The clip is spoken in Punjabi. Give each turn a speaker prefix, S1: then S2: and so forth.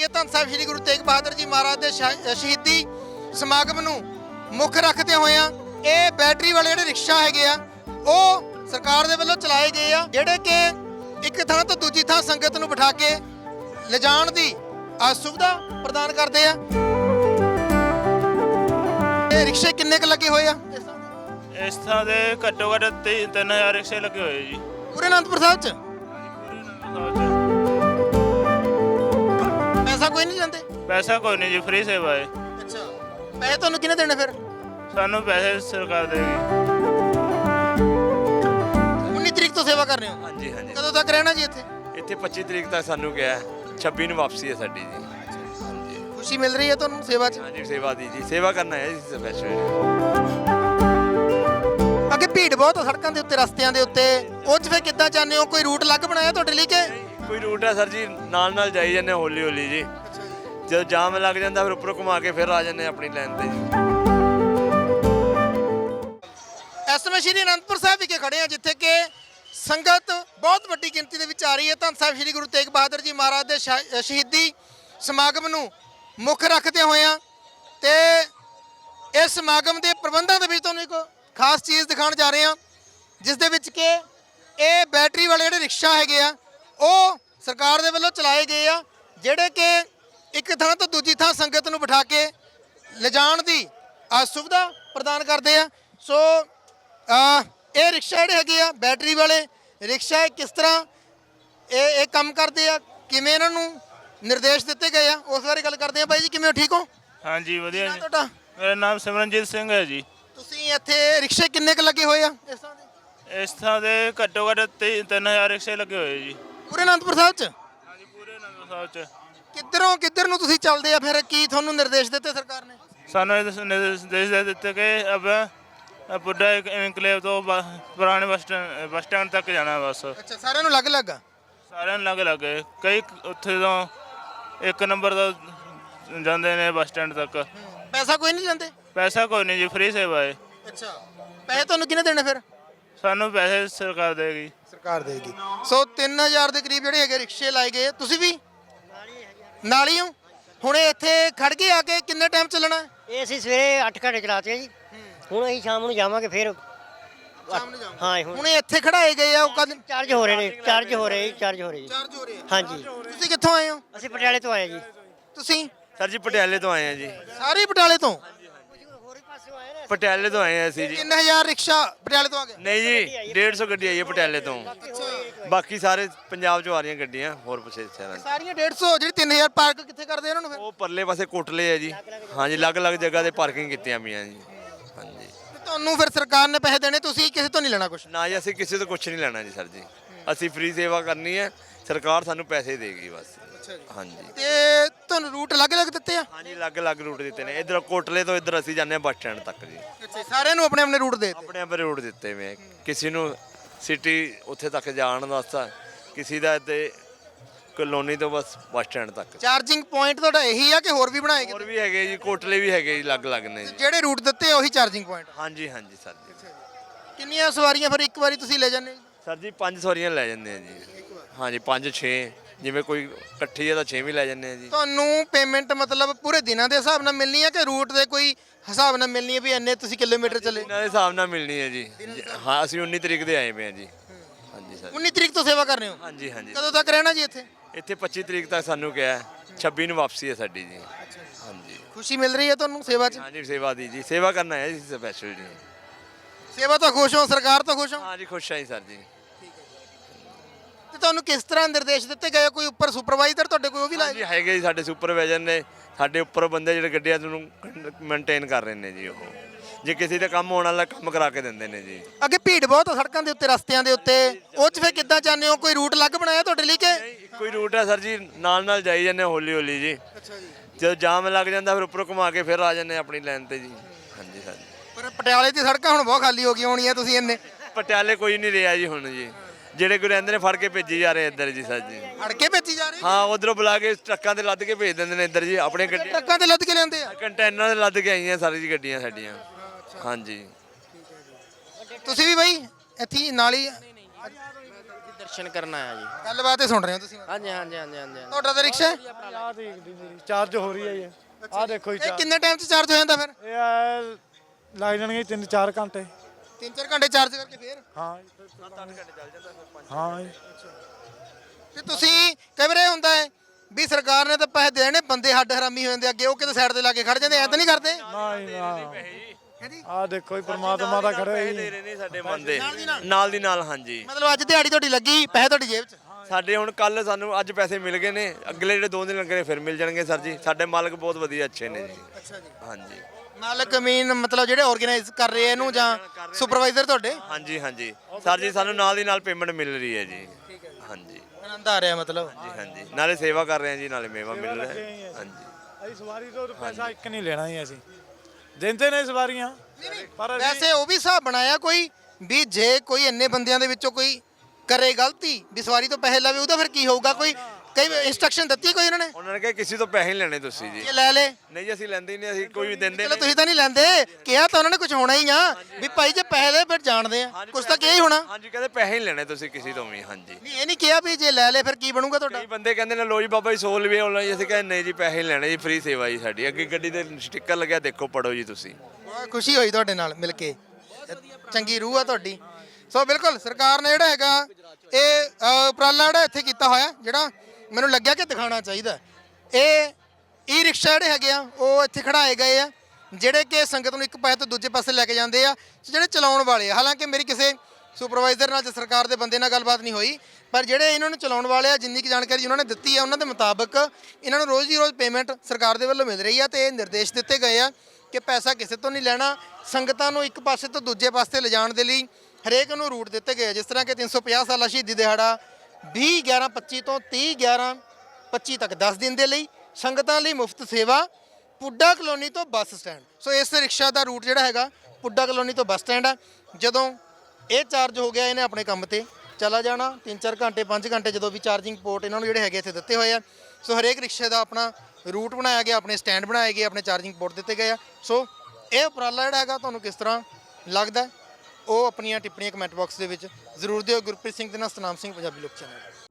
S1: ਇਹ ਧੰਨ ਸਾਹਿਬ ਸ੍ਰੀ ਗੁਰੂ ਤੇਗ ਬਹਾਦਰ ਜੀ ਮਹਾਰਾਜ ਦੇ ਸ਼ਹੀਦੀ ਸਮਾਗਮ ਨੂੰ ਮੁੱਖ ਰੱਖਦੇ ਹੋਇਆ ਇਹ ਬੈਟਰੀ ਵਾਲੇ ਜਿਹੜੇ ਰਿਕਸ਼ਾ ਹੈਗੇ ਆ ਉਹ ਸਰਕਾਰ ਦੇ ਵੱਲੋਂ ਚਲਾਏ ਗਏ ਆ, ਜਿਹੜੇ ਕਿ ਇੱਕ ਥਾਂ ਤੋਂ ਦੂਜੀ ਥਾਂ ਸੰਗਤ ਨੂੰ ਬਿਠਾ ਕੇ ਲਿਜਾਣ ਦੀ ਸੁਵਿਧਾ ਪ੍ਰਦਾਨ ਕਰਦੇ ਆ। ਇਹ ਰਿਕਸ਼ੇ ਕਿੰਨੇ ਕੁ ਲੱਗੇ ਹੋਏ ਆ
S2: ਇਸ ਥਾਂ ਦੇ ਘੱਟੋ ਘੱਟ 3000 ਰਿਕਸ਼ੇ ਲੱਗੇ ਹੋਏ ਜੀ
S1: ਪੂਰੇ ਅਨੰਦਪੁਰ ਸਾਹਿਬ 'ਚ? ਪੈਸਾ ਕੋਈ ਨਹੀਂ ਜਾਂਦੇ?
S2: ਪੈਸਾ ਕੋਈ ਨਹੀਂ ਜੀ, ਫ੍ਰੀ ਸੇਵਾ ਹੈ।
S1: ਅੱਛਾ, ਪੈਸੇ ਤੁਹਾਨੂੰ ਕਿਹਨੇ ਦੇਣੇ ਫਿਰ?
S2: ਸਾਨੂੰ ਪੈਸੇ ਸਰਕਾਰ ਦੇਗੀ।
S1: 19 ਤਰੀਕ ਤੋਂ ਸੇਵਾ ਕਰ ਰਹੇ ਹੋ?
S3: ਹਾਂਜੀ ਹਾਂਜੀ।
S1: ਕਦੋਂ ਤੱਕ ਰਹਿਣਾ ਜੀ ਇੱਥੇ?
S3: ਇੱਥੇ 25 ਤਰੀਕ ਤੱਕ ਸਾਨੂੰ ਕਿਹਾ, 26 ਨੂੰ ਵਾਪਸੀ ਹੈ ਸਾਡੀ ਜੀ। ਹਾਂਜੀ,
S1: ਖੁਸ਼ੀ ਮਿਲ ਰਹੀ ਹੈ ਤੁਹਾਨੂੰ ਸੇਵਾ 'ਚ?
S3: ਹਾਂਜੀ ਸੇਵਾ ਦੀ ਜੀ, ਸੇਵਾ ਕਰਨਾ ਹੈ ਜੀ ਸਪੈਸ਼ਲ।
S1: ਅੱਗੇ ਭੀੜ ਬਹੁਤ ਆ ਸੜਕਾਂ ਦੇ ਉੱਤੇ, ਰਸਤਿਆਂ ਦੇ ਉੱਤੇ, ਉਹ 'ਚ ਫਿਰ ਕਿੱਦਾਂ ਜਾਂਦੇ ਹੋ? ਕੋਈ ਰੂਟ ਅਲੱਗ ਬਣਾਇਆ ਤੁਹਾਡੇ ਲਈ ਕਿ?
S3: ਕੋਈ ਰੂਟ ਹੈ ਸਰ ਜੀ, ਨਾਲ ਨਾਲ ਜਾਈ ਜਾਂਦੇ ਹੌਲੀ ਹੌਲੀ ਜੀ। ਜਦੋਂ ਜਾਮ ਲੱਗ ਜਾਂਦਾ ਫਿਰ ਉੱਪਰੋਂ ਘੁਮਾ ਕੇ ਫਿਰ ਆ ਜਾਂਦੇ ਆਪਣੀ ਲਾਈਨ ਤੇ ਜੀ।
S1: ਇਸ ਸਮੇਂ ਸ਼੍ਰੀ ਅਨੰਦਪੁਰ ਸਾਹਿਬ ਵਿਖੇ ਖੜੇ ਆ, ਜਿੱਥੇ ਕਿ ਸੰਗਤ ਬਹੁਤ ਵੱਡੀ ਗਿਣਤੀ ਦੇ ਵਿੱਚ ਆ ਰਹੀ ਹੈ। ਧੰਨ ਸਾਹਿਬ ਸ੍ਰੀ ਗੁਰੂ ਤੇਗ ਬਹਾਦਰ ਜੀ ਮਹਾਰਾਜ ਦੇ ਸ਼ਹੀਦੀ ਸਮਾਗਮ ਨੂੰ ਮੁੱਖ ਰੱਖਦੇ ਹੋਇਆ ਤੇ ਇਸ ਸਮਾਗਮ ਦੇ ਪ੍ਰਬੰਧਾਂ ਦੇ ਵਿੱਚ ਤੁਹਾਨੂੰ ਇੱਕ ਖਾਸ ਚੀਜ਼ ਦਿਖਾਉਣ ਜਾ ਰਹੇ ਹਾਂ, ਜਿਸ ਦੇ ਵਿੱਚ ਕਿ ਇਹ ਬੈਟਰੀ ਵਾਲੇ ਜਿਹੜੇ ਰਿਕਸ਼ਾ ਹੈਗੇ ਆ ਉਹ ਸਰਕਾਰ ਦੇ ਵੱਲੋਂ ਚਲਾਏ ਗਏ ਆ, ਜਿਹੜੇ ਕਿ ਇੱਕ ਥਾਂ ਤੋਂ ਦੂਜੀ ਥਾਂ ਸੰਗਤ ਨੂੰ ਬਿਠਾ ਕੇ ਲਿਜਾਣ ਦੀ ਸੁਵਿਧਾ ਪ੍ਰਦਾਨ ਕਰਦੇ ਆ। ਸੋ ਇਹ ਰਿਕਸ਼ਾ ਜਿਹੜੇ ਹੈਗੇ ਆ ਬੈਟਰੀ ਵਾਲੇ ਰਿਕਸ਼ਾ, ਕਿਸ ਤਰ੍ਹਾਂ ਇਹ ਕੰਮ ਕਰਦੇ ਆ, ਕਿਵੇਂ ਇਹਨਾਂ ਨੂੰ ਨਿਰਦੇਸ਼ ਦਿੱਤੇ ਗਏ ਆ, ਉਸ ਬਾਰੇ ਗੱਲ ਕਰਦੇ ਆ। ਬਾਈ ਜੀ ਕਿਵੇਂ ਹੋ, ਠੀਕ ਹੋ?
S2: ਹਾਂਜੀ ਵਧੀਆ ਜੀ।
S1: ਤੁਹਾਡਾ?
S2: ਮੇਰਾ ਨਾਮ ਸਿਮਰਨਜੀਤ ਸਿੰਘ ਹੈ ਜੀ।
S1: ਤੁਸੀਂ ਇੱਥੇ ਰਿਕਸ਼ੇ ਕਿੰਨੇ ਕੁ ਲੱਗੇ ਹੋਏ ਆ ਇਸ ਥਾਂ ਦੇ?
S2: ਇਸ ਥਾਂ ਦੇ ਘੱਟੋ ਘੱਟ 3000 ਰਿਕਸ਼ੇ ਲੱਗੇ ਹੋਏ ਜੀ
S1: ਪੂਰੇ ਅਨੰਦਪੁਰ ਸਾਹਿਬ 'ਚ?
S2: ਹਾਂਜੀ, ਪੂਰੇ ਅਨੰਦਪੁਰ ਸਾਹਿਬ 'ਚ।
S1: ਕਿੱਧਰ ਨੂੰ ਤੁਸੀਂ ਚੱਲਦੇ ਆ ਫਿਰ? ਕੀ ਤੁਹਾਨੂੰ ਨਿਰਦੇਸ਼ ਦਿੱਤੇ ਸਰਕਾਰ ਨੇ?
S2: ਸਾਨੂੰ ਇਹ ਨਿਰਦੇਸ਼ ਦੇ ਦਿੱਤੇ ਕਿ ਅਬ ਬੁੱਢਾ ਇਨਕਲੇਵ ਤੋਂ ਪੁਰਾਣੇ ਬੱਸ ਸਟੈਂਡ ਤੱਕ ਜਾਣਾ ਬਸ।
S1: ਅੱਛਾ, ਸਾਰਿਆਂ ਨੂੰ ਅਲੱਗ-ਅਲੱਗ ਆ?
S2: ਸਾਰਿਆਂ ਨੂੰ ਲੱਗ ਕਈ ਉੱਥੇ ਤੋਂ 1 ਨੰਬਰ ਤੋਂ ਜਾਂਦੇ ਨੇ ਬੱਸ ਸਟੈਂਡ ਤੱਕ।
S1: ਪੈਸਾ ਕੋਈ ਨਹੀਂ ਜਾਂਦੇ?
S2: ਪੈਸਾ ਕੋਈ ਨਹੀਂ ਜੀ, ਫ੍ਰੀ ਸੇਵਾ ਹੈ।
S1: ਅੱਛਾ, ਪੈਸੇ ਤੁਹਾਨੂੰ ਕਿਹਨੇ ਦੇਣੇ ਫਿਰ?
S2: ਸਾਨੂੰ ਪੈਸੇ ਸਰਕਾਰ ਦੇਗੀ।
S1: ਸਰਕਾਰ ਦੇਗੀ। ਸੋ 3000 ਦੇ ਕਰੀਬ ਜਿਹੜੇ ਹੈਗੇ ਰਿਕਸ਼ੇ ਲਾਏ ਗਏ। ਤੁਸੀਂ ਵੀ ਨਾਲ ਹੀ ਹੋ? ਹੁਣ ਇੱਥੇ ਖੜ ਕੇ ਆ ਕੇ ਕਿੰਨੇ ਟਾਈਮ ਚੱਲਣਾ?
S4: ਇਹ ਅਸੀਂ ਸਵੇਰੇ 8 ਘੰਟੇ ਚਲਾਤੇ ਆ ਜੀ। ਹੁਣ ਅਸੀਂ ਸ਼ਾਮ ਨੂੰ ਜਾਵਾਂਗੇ ਫਿਰ।
S1: ਸ਼ਾਮ ਨੂੰ ਜਾਵਾਂਗੇ।
S4: ਹਾਂ
S1: ਹੁਣ ਇੱਥੇ ਖੜਾਏ ਗਏ ਆ, ਉਹ ਕਦ
S4: ਚਾਰਜ ਹੋ ਰਹੇ ਨੇ, ਚਾਰਜ ਹੋ ਰਹੇ ਜੀ।
S1: ਚਾਰਜ ਹੋ ਰਹੇ ਆ?
S4: ਹਾਂਜੀ।
S1: ਤੁਸੀਂ ਕਿੱਥੋਂ ਆਏ ਹੋ?
S4: ਅਸੀਂ ਪਟਿਆਲੇ ਤੋਂ ਆਏ ਜੀ।
S1: ਤੁਸੀਂ
S3: ਸਰ ਜੀ ਪਟਿਆਲੇ ਤੋਂ ਆਏ ਆ ਜੀ।
S1: ਸਾਰੇ ਬਟਾਲੇ ਤੋਂ?
S4: ਹੋਰ ਹੀ ਪਾਸੇ ਆਏ ਨੇ।
S3: ਪਟਿਆਲੇ ਤੋਂ ਆਏ ਆ ਅਸੀਂ ਜੀ।
S1: 3000 ਰਿਕਸ਼ਾ ਪਟਿਆਲੇ ਤੋਂ ਆ ਗਏ?
S3: ਨਹੀਂ ਜੀ, 150 ਗੱਡੀ ਆਈ ਹੈ ਪਟਿਆਲੇ ਤੋਂ। ਬਾਕੀ ਸਾਰੇ ਪੰਜਾਬ ਚੋਂ ਆ ਰਹੀਆਂ ਗੱਡੀਆਂ ਹੋਰ ਪਿੱਛੇ ਸ਼ਹਿਰਾਂ 'ਚ।
S1: ਸਾਰੀਆਂ 150? ਜਿਹੜੀ 3000 ਪਾਰਕ ਕਿੱਥੇ ਕਰਦੇ ਇਹਨਾਂ ਨੂੰ ਫਿਰ?
S3: ਉਹ ਪਰਲੇ ਪਾਸੇ ਕੋਟਲੇ ਆ ਜੀ। ਹਾਂਜੀ, ਅਲੱਗ-ਅਲੱਗ ਜਗ੍ਹਾ ਤੇ ਪਾਰਕਿੰਗ ਕੀਤੀਆਂ ਪਈਆਂ ਜੀ। ਹਾਂਜੀ।
S1: ਤੁਹਾਨੂੰ ਫਿਰ ਸਰਕਾਰ ਨੇ ਪੈਸੇ ਦੇਣੇ, ਤੁਸੀਂ ਕਿਸੇ ਤੋਂ ਨਹੀਂ ਲੈਣਾ ਕੁਝ?
S3: ਨਾ ਜੀ, ਅਸੀਂ ਕਿਸੇ ਤੋਂ ਕੁਝ ਨਹੀਂ ਲੈਣਾ ਜੀ ਸਰ ਜੀ। ਅਸੀਂ ਫ੍ਰੀ ਸੇਵਾ ਕਰਨੀ ਹੈ, ਸਰਕਾਰ ਸਾਨੂੰ ਪੈਸੇ ਦੇਗੀ ਬਸ। ਹਾਂਜੀ।
S1: ਤੇ ਤੁਹਾਨੂੰ ਰੂਟ ਅਲੱਗ-ਅਲੱਗ ਦਿੱਤੇ ਆ?
S3: ਹਾਂਜੀ, ਅਲੱਗ-ਅਲੱਗ ਰੂਟ ਦਿੱਤੇ ਨੇ। ਇੱਧਰ ਕੋਟਲੇ ਤੋਂ ਇੱਧਰ ਅਸੀਂ ਜਾਂਦੇ ਹਾਂ ਬੱਸ ਸਟੈਂਡ ਤੱਕ ਜੀ।
S1: ਅੱਛਾ, ਸਾਰਿਆਂ ਨੂੰ ਆਪਣੇ ਆਪਣੇ ਰੂਟ ਦੇ ਦਿੱਤੇ?
S3: ਆਪਣੇ ਆਪਣੇ ਰੂਟ ਦਿੱਤੇ ਵੇ। ਕਿਸੇ ਨੂੰ ਸਿਟੀ ਉੱਥੇ ਤੱਕ ਜਾਣ ਵਾਸਤਾ, ਕਿਸੇ ਦਾ ਇੱਥੇ ਕਲੋਨੀ ਤੋਂ ਬਸ ਬੱਸ ਸਟੈਂਡ ਤੱਕ।
S1: ਚਾਰਜਿੰਗ ਪੁਆਇੰਟ ਤੁਹਾਡਾ ਇਹੀ ਆ ਕਿ ਹੋਰ ਵੀ ਬਣਾਏ ਗਏ?
S3: ਹੋਰ ਵੀ ਹੈਗੇ ਜੀ, ਕੋਟਲੇ ਵੀ ਹੈਗੇ ਜੀ, ਅਲੱਗ-ਅਲੱਗ ਨੇ ਜੀ।
S1: ਜਿਹੜੇ ਰੂਟ ਦਿੱਤੇ ਉਹੀ ਚਾਰਜਿੰਗ ਪੁਆਇੰਟ?
S3: ਹਾਂਜੀ ਹਾਂਜੀ ਸਰ ਜੀ।
S1: ਕਿੰਨੀਆਂ ਸਵਾਰੀਆਂ ਫਿਰ ਇੱਕ ਵਾਰੀ ਤੁਸੀਂ ਲੈ ਜਾਂਦੇ ਹੋ?
S3: ਸਰ ਜੀ 5 ਸਵਾਰੀਆਂ ਲੈ ਜਾਂਦੇ ਆ ਜੀ। ਹਾਂਜੀ, 5-6 ਜਿਵੇਂ ਕੋਈ ਇਕੱਠੀ ਹੈ ਤਾਂ 6 ਵੀ ਲੈ ਜਾਂਦੇ ਆ ਜੀ।
S1: ਤੁਹਾਨੂੰ ਪੇਮੈਂਟ ਮਤਲਬ ਪੂਰੇ ਦਿਨਾਂ ਦੇ ਹਿਸਾਬ ਨਾਲ ਮਿਲਣੀ ਹੈ ਕਿ ਰੂਟ ਦੇ ਕੋਈ ਹਿਸਾਬ ਨਾਲ ਮਿਲਣੀ ਹੈ ਵੀ ਇੰਨੇ ਤੁਸੀਂ ਕਿਲੋਮੀਟਰ ਚੱਲੇ?
S3: ਇਹਨਾਂ ਦੇ ਹਿਸਾਬ ਨਾਲ ਮਿਲਣੀ ਹੈ ਜੀ। ਹਾਂ, ਅਸੀਂ 19 ਤਰੀਕ ਦੇ ਆਏ ਪਏ ਆ ਜੀ। ਹਾਂਜੀ ਸਰ।
S1: 19 ਤਰੀਕ ਤੋਂ ਸੇਵਾ ਕਰ ਰਹੇ ਹੋ?
S3: ਹਾਂਜੀ ਹਾਂਜੀ।
S1: ਕਦੋਂ ਤੱਕ ਰਹਿਣਾ ਜੀ ਇੱਥੇ?
S3: ਇੱਥੇ 25 ਤਰੀਕ ਤੱਕ ਸਾਨੂੰ ਕਿਹਾ, 26 ਨੂੰ ਵਾਪਸੀ ਹੈ ਸਾਡੀ ਜੀ। ਹਾਂਜੀ।
S1: ਖੁਸ਼ੀ ਮਿਲ ਰਹੀ ਹੈ ਤੁਹਾਨੂੰ ਸੇਵਾ 'ਚ?
S3: ਹਾਂਜੀ ਸੇਵਾ ਦੀ ਜੀ, ਸੇਵਾ ਕਰਨਾ ਹੈ ਜੀ ਸਪੈਸ਼ਲ ਜੀ।
S1: ਸੇਵਾ ਤੋਂ ਖੁਸ਼ ਹੋ? ਸਰਕਾਰ ਤੋਂ ਖੁਸ਼ ਹੋ?
S3: ਹਾਂਜੀ ਖੁਸ਼ ਹਾਂ ਸਰ ਜੀ।
S1: ਤੇ ਤੁਹਾਨੂੰ ਕਿਸ ਤਰ੍ਹਾਂ ਨਿਰਦੇਸ਼ ਦਿੱਤੇ ਗਏ? ਕੋਈ ਉੱਪਰ ਸੁਪਰਵਾਈਜ਼ਰ ਤੁਹਾਡੇ ਕੋਈ ਉਹ ਵੀ ਲਾਇਆ?
S3: ਹਾਂਜੀ ਹੈਗੇ ਜੀ, ਸਾਡੇ ਸੁਪਰਵਾਈਜ਼ਰ ਨੇ। ਸਾਡੇ ਉੱਪਰ ਬੰਦੇ ਜਿਹੜੇ ਗੱਡੀਆਂ ਨੂੰ ਮੇਨਟੇਨ ਕਰ ਰਹੇ ਨੇ ਜੀ। ਉਹ ਜੇ ਕਿਸੇ ਦਾ ਕੰਮ ਹੋਣ ਵਾਲਾ ਕੰਮ ਕਰਾ ਕੇ ਦਿੰਦੇ ਨੇ ਜੀ।
S1: ਅੱਗੇ ਭੀੜ ਬਹੁਤ ਆ ਸੜਕਾਂ ਦੇ ਉੱਤੇ, ਰਸਤਿਆਂ ਦੇ ਉੱਤੇ, ਉਹ 'ਚ ਫਿਰ ਕਿੱਦਾਂ ਜਾਂਦੇ ਹੋ? ਕੋਈ ਰੂਟ ਅਲੱਗ ਬਣਾਇਆ ਤੁਹਾਡੇ ਲਈ ਕਿ?
S3: ਇੱਕੋ ਹੀ ਰੂਟ ਹੈ ਸਰ ਜੀ, ਨਾਲ ਨਾਲ ਜਾਈ ਜਾਂਦੇ ਹੌਲੀ ਹੌਲੀ ਜੀ।
S1: ਅੱਛਾ ਜੀ।
S3: ਜਦੋਂ ਜਾਮ ਲੱਗ ਜਾਂਦਾ ਫਿਰ ਉੱਪਰੋਂ ਘੁਮਾ ਕੇ ਫਿਰ ਆ ਜਾਂਦੇ ਆਪਣੀ ਲਾਈਨ ਤੇ ਜੀ। ਹਾਂਜੀ ਸਰ।
S1: ਪਰ ਪਟਿਆਲੇ ਦੀ ਸੜਕਾਂ ਹੁਣ ਬਹੁਤ ਖਾਲੀ ਹੋ ਗਈਆਂ ਹੋਣੀਆਂ, ਤੁਸੀਂ ਇੰਨੇ
S3: ਪਟਿਆਲੇ ਕੋਈ ਨਹੀਂ ਰਿਹਾ ਜੀ ਹੁਣ ਜੀ। ਜਿਹੜੇ ਕੋਈ ਰਹਿੰਦੇ ਨੇ ਫੜ ਕੇ ਭੇਜੀ ਜਾ ਰਹੇ ਇੱਧਰ ਜੀ ਸਰ ਜੀ।
S1: ਫੜ ਕੇ ਭੇਜੀ ਜਾ ਰਹੇ?
S3: ਹਾਂ, ਉਧਰੋਂ ਬੁਲਾ ਕੇ ਟਰੱਕਾਂ ਤੇ ਲੱਦ ਕੇ ਭੇਜ ਦਿੰਦੇ ਨੇ ਇੱਧਰ ਜੀ। ਆਪਣੇ ਗੱਡੀਆਂ
S1: ਟਰੱਕਾਂ ਤੇ ਲੱਦ ਕੇ ਲਿਆਉਂਦੇ ਆ?
S3: ਕੰਟੇਨਰਾਂ ਤੇ ਲੱਦ ਕੇ ਆਈਆਂ ਸਾਰੀ ਜੀ ਗੱਡੀਆਂ ਸਾਡੀਆਂ। ਹਾਂਜੀ।
S1: ਤੁਸੀਂ ਵੀ ਬਾਈ ਇੱਥੇ ਨਾਲ ਹੀ?
S5: ਦਰਸ਼ਨ ਕਰਨ ਆਇਆ ਜੀ।
S1: ਗੱਲਬਾਤ ਹੀ ਸੁਣ ਰਹੇ ਹੋ ਤੁਸੀਂ
S5: ਹਾਂਜੀ ਹਾਂਜੀ ਹਾਂਜੀ ਹਾਂਜੀ
S1: ਤੁਹਾਡਾ ਤਾਂ ਰਿਕਸ਼ਾ ਹੈ?
S6: ਆਹ ਦੇਖਦੀ ਮੇਰੀ ਚਾਰਜ ਹੋ ਰਹੀ ਹੈ ਜੀ। ਆਹ ਦੇਖੋ ਜੀ
S1: ਇਹ ਕਿੰਨੇ ਟਾਈਮ 'ਚ ਚਾਰਜ ਹੋ ਜਾਂਦਾ ਫਿਰ?
S6: ਇਹ ਲੱਗ ਜਾਣਗੇ 3-4 ਘੰਟੇ।
S1: 3-4 ਘੰਟੇ ਚਾਰਜ ਕਰਕੇ ਫਿਰ?
S6: ਹਾਂ 7-8 ਘੰਟੇ ਚੱਲ ਜਾਂਦਾ ਫਿਰ। ਹਾਂ ਜੀ।
S1: ਤੇ ਤੁਸੀਂ ਕਈ ਵਾਰ ਇਹ ਹੁੰਦਾ ਹੈ ਵੀ ਸਰਕਾਰ ਨੇ ਤਾਂ ਪੈਸੇ ਦੇ ਦੇਣੇ, ਬੰਦੇ ਹੱਡ ਹਰਾਮੀ ਹੋ ਜਾਂਦੇ ਅੱਗੇ, ਉਹ ਕਿਤੇ ਸਾਈਡ ਤੇ ਲਾ ਕੇ ਖੜ ਜਾਂਦੇ, ਐ ਤਾਂ ਨਹੀਂ ਕਰਦੇ?
S6: ਨਾ ਜੀ ਨਾ। ਆਹ ਦੇਖੋ ਜੀ ਪ੍ਰਮਾਤਮਾ ਦਾ ਖੜਾ
S3: ਪੈਸੇ
S6: ਜੀ।
S3: ਦੇ ਰਹੇ ਨੇ ਸਾਡੇ ਬੰਦੇ ਨਾਲ ਦੀ ਨਾਲ। ਹਾਂਜੀ,
S1: ਮਤਲਬ ਅੱਜ ਦਿਹਾੜੀ ਤੁਹਾਡੀ ਲੱਗੀ, ਪੈਸੇ ਤੁਹਾਡੀ ਜੇਬ 'ਚ?
S3: ਸਾਡੇ ਹੁਣ ਕੱਲ ਸਾਨੂੰ ਅੱਜ ਪੈਸੇ ਮਿਲ ਗਏ ਨੇ, ਅਗਲੇ ਜਿਹੜੇ 2 ਦਿਨ ਲੱਗਣੇ ਫਿਰ ਮਿਲ ਜਾਣਗੇ ਸਰ ਜੀ। ਸਾਡੇ ਮਾਲਕ ਬਹੁਤ ਵਧੀਆ ਅੱਛੇ ਨੇ ਜੀ।
S1: ਅੱਛਾ ਜੀ।
S3: ਹਾਂਜੀ
S1: ਮਾਲਕ ਮੀਨ ਮਤਲਬ ਜਿਹੜੇ ਆਰਗੇਨਾਈਜ਼ ਕਰ ਰਹੇ ਆ ਇਹਨੂੰ ਜਾਂ ਸੁਪਰਵਾਈਜ਼ਰ ਤੁਹਾਡੇ?
S3: ਹਾਂਜੀ ਹਾਂਜੀ ਸਰ ਜੀ, ਸਾਨੂੰ ਨਾਲ ਦੀ ਨਾਲ ਪੇਮੈਂਟ ਮਿਲ ਰਹੀ ਹੈ ਜੀ। ਹਾਂਜੀ
S1: ਆਨੰਦ ਆ ਰਿਹਾ ਮਤਲਬ?
S3: ਜੀ ਹਾਂਜੀ, ਨਾਲੇ ਸੇਵਾ ਕਰ ਰਹੇ ਹਾਂ ਜੀ, ਨਾਲੇ ਮੇਵਾ ਮਿਲ ਰਿਹਾ ਹੈ। ਹਾਂਜੀ
S6: ਅਸੀਂ ਸਵਾਰੀ ਤੋਂ ਪੈਸਾ ਇੱਕ ਨਹੀਂ ਲੈਣਾ ਜੀ। ਅਸੀਂ ਦਿੰਦੇ ਨੇ ਸਵਾਰੀਆਂ ਪਰ ਅਸੀਂ
S1: ਵੈਸੇ ਉਹ ਵੀ ਹਿਸਾਬ ਬਣਾਇਆ ਕੋਈ ਵੀ ਜੇ ਕੋਈ ਇੰਨੇ ਬੰਦਿਆਂ ਦੇ ਵਿੱਚੋਂ ਕੋਈ ਕਰੇ ਗਲਤੀ ਵੀ ਸਵਾਰੀ ਤੋਂ ਪੈਸੇ ਲਵੇ, ਉਹਦਾ ਫਿਰ ਕੀ ਹੋਊਗਾ? ਕੋਈ ਕਈ ਇੰਸਟਰਕਸ਼ਨ ਦਿੱਤੀ ਕੋਈ ਉਹਨਾਂ ਨੇ?
S3: ਉਹਨਾਂ ਨੇ ਕਿਹਾ ਕਿਸੇ ਤੋਂ ਪੈਸੇ ਨਹੀਂ ਲੈਣੇ ਤੁਸੀਂ ਜੀ।
S1: ਇਹ ਲੈ ਲੈ।
S3: ਨਹੀਂ ਜੀ, ਅਸੀਂ ਲੈਂਦੇ ਹੀ ਨਹੀਂ, ਅਸੀਂ ਕੋਈ ਵੀ ਦਿੰਦੇ
S1: ਚਲੋ
S3: ਨਹੀਂ।
S1: ਤੁਸੀਂ ਤਾਂ ਨਹੀਂ ਲੈਂਦੇ, ਕਿਹਾ ਤਾਂ ਉਹਨਾਂ ਨੇ ਕੁਝ ਹੋਣਾ ਹੀ ਆ ਵੀ ਭਾਈ ਜੇ ਪੈਸੇ ਦੇ ਫਿਰ ਜਾਣਦੇ ਆ, ਕੁਝ ਤਾਂ ਕਿਹਾ ਹੀ ਹੋਣਾ।
S3: ਹਾਂਜੀ, ਕਹਿੰਦੇ ਪੈਸੇ ਨਹੀਂ ਲੈਣੇ ਤੁਸੀਂ ਕਿਸੇ ਤੋਂ ਵੀ। ਹਾਂਜੀ,
S1: ਨਹੀਂ ਇਹ ਨਹੀਂ ਕਿਹਾ ਵੀ ਜੇ ਲੈ ਲੈ ਫਿਰ ਕੀ ਬਣੂਗਾ ਤੁਹਾਡਾ?
S3: ਕਈ ਬੰਦੇ ਕਹਿੰਦੇ ਨੇ ਲੋ ਜੀ ਬਾਬਾ ਜੀ 100 ਰੁਪਏ ਆਉਣਾ ਜੀ। ਅਸੀਂ ਕਹਿੰਦੇ ਨਹੀਂ ਜੀ, ਪੈਸੇ ਨਹੀਂ ਲੈਣੇ ਜੀ, ਫ੍ਰੀ ਸੇਵਾ ਜੀ ਸਾਡੀ। ਅੱਗੇ ਗੱਡੀ ਤੇ ਸਟicker ਲੱਗਿਆ, ਦੇਖੋ ਪੜੋ ਜੀ ਤੁਸੀਂ।
S1: ਬਹੁਤ ਖੁਸ਼ੀ ਹੋਈ ਤੁਹਾਡੇ ਨਾਲ ਮਿਲ ਕੇ, ਚੰਗੀ ਰੂਹ ਆ ਤੁਹਾਡੀ। ਸੋ ਬਿਲਕੁਲ ਸਰਕਾਰ ਨੇ ਜਿਹੜਾ ਹੈਗਾ ਇਹ ਉਪਰਾਲਾ ਜਿਹੜਾ ਇੱਥੇ ਕੀਤਾ ਹੋਇਆ, ਜਿਹੜਾ ਮੈਨੂੰ ਲੱਗਿਆ ਕਿ ਦਿਖਾਉਣਾ ਚਾਹੀਦਾ। ਇਹ ਈ ਰਿਕਸ਼ਾ ਜਿਹੜੇ ਹੈਗੇ ਆ ਉਹ ਇੱਥੇ ਖੜਾਏ ਗਏ ਆ, ਜਿਹੜੇ ਕਿ ਸੰਗਤ ਨੂੰ ਇੱਕ ਪਾਸੇ ਤੋਂ ਦੂਜੇ ਪਾਸੇ ਲੈ ਕੇ ਜਾਂਦੇ ਆ, ਜਿਹੜੇ ਚਲਾਉਣ ਵਾਲੇ ਆ। ਹਾਲਾਂਕਿ ਮੇਰੀ ਕਿਸੇ ਸੁਪਰਵਾਈਜ਼ਰ ਨਾਲ ਜਾਂ ਸਰਕਾਰ ਦੇ ਬੰਦੇ ਨਾਲ ਗੱਲਬਾਤ ਨਹੀਂ ਹੋਈ, ਪਰ ਜਿਹੜੇ ਇਹਨਾਂ ਨੂੰ ਚਲਾਉਣ ਵਾਲੇ ਆ, ਜਿੰਨੀ ਕੁ ਜਾਣਕਾਰੀ ਉਹਨਾਂ ਨੇ ਦਿੱਤੀ ਆ, ਉਹਨਾਂ ਦੇ ਮੁਤਾਬਕ ਇਹਨਾਂ ਨੂੰ ਰੋਜ਼ ਦੀ ਰੋਜ਼ ਪੇਮੈਂਟ ਸਰਕਾਰ ਦੇ ਵੱਲੋਂ ਮਿਲ ਰਹੀ ਆ ਤੇ ਇਹ ਨਿਰਦੇਸ਼ ਦਿੱਤੇ ਗਏ ਆ ਕਿ ਪੈਸਾ ਕਿਸੇ ਤੋਂ ਨਹੀਂ ਲੈਣਾ। ਸੰਗਤਾਂ ਨੂੰ ਇੱਕ ਪਾਸੇ ਤੋਂ ਦੂਜੇ ਪਾਸੇ ਲਿਜਾਣ ਦੇ ਲਈ ਹਰੇਕ ਨੂੰ ਰੂਟ ਦਿੱਤੇ ਗਏ ਆ। ਜਿਸ ਤਰ੍ਹਾਂ ਕਿ 350 ਸਾਲਾ ਸ਼ਹੀਦੀ ਦਿਹਾੜਾ 20/11/25 ਤੋਂ 30/11/25 ਤੱਕ 10 ਦਿਨ ਦੇ ਲਈ ਸੰਗਤਾਂ ਲਈ ਮੁਫਤ ਸੇਵਾ ਪੁੱਡਾ ਕਲੋਨੀ ਤੋਂ ਬੱਸ ਸਟੈਂਡ। ਸੋ ਇਸ ਰਿਕਸ਼ਾ ਦਾ ਰੂਟ ਜਿਹੜਾ ਹੈਗਾ ਪੁੱਡਾ ਕਲੋਨੀ ਤੋਂ ਬੱਸ ਸਟੈਂਡ ਆ। ਜਦੋਂ ਇਹ ਚਾਰਜ ਹੋ ਗਿਆ, ਇਹਨੇ ਆਪਣੇ ਕੰਮ ਤੇ ਚਲਾ ਜਾਣਾ। 3-4 ਘੰਟੇ 5 ਘੰਟੇ ਜਦੋਂ ਵੀ ਚਾਰਜਿੰਗ ਪੋਰਟ ਇਹਨਾਂ ਨੂੰ ਜਿਹੜੇ ਹੈਗੇ ਇੱਥੇ ਦਿੱਤੇ ਹੋਏ ਆ। ਸੋ ਹਰੇਕ ਰਿਕਸ਼ੇ ਦਾ ਆਪਣਾ ਰੂਟ ਬਣਾਇਆ ਗਿਆ, ਆਪਣੇ ਸਟੈਂਡ ਬਣਾਏ ਗਏ, ਆਪਣੇ ਚਾਰਜਿੰਗ ਪੋਰਟ ਦਿੱਤੇ ਗਏ ਆ। ਸੋ ਇਹ ਉਪਰਾਲਾ ਜਿਹੜਾ ਹੈਗਾ ਤੁਹਾਨੂੰ ਕਿਸ ਤਰ੍ਹਾਂ ਲੱਗਦਾ, ਉਹ ਆਪਣੀਆਂ ਟਿੱਪਣੀਆਂ ਕਮੈਂਟ ਬਾਕਸ ਦੇ ਵਿੱਚ ਜ਼ਰੂਰ ਦਿਓ। ਗੁਰਪ੍ਰੀਤ ਸਿੰਘ ਦੇ ਨਾਲ ਸਤਨਾਮ ਸਿੰਘ, ਪੰਜਾਬੀ ਲੋਕ ਚੈਨਲ।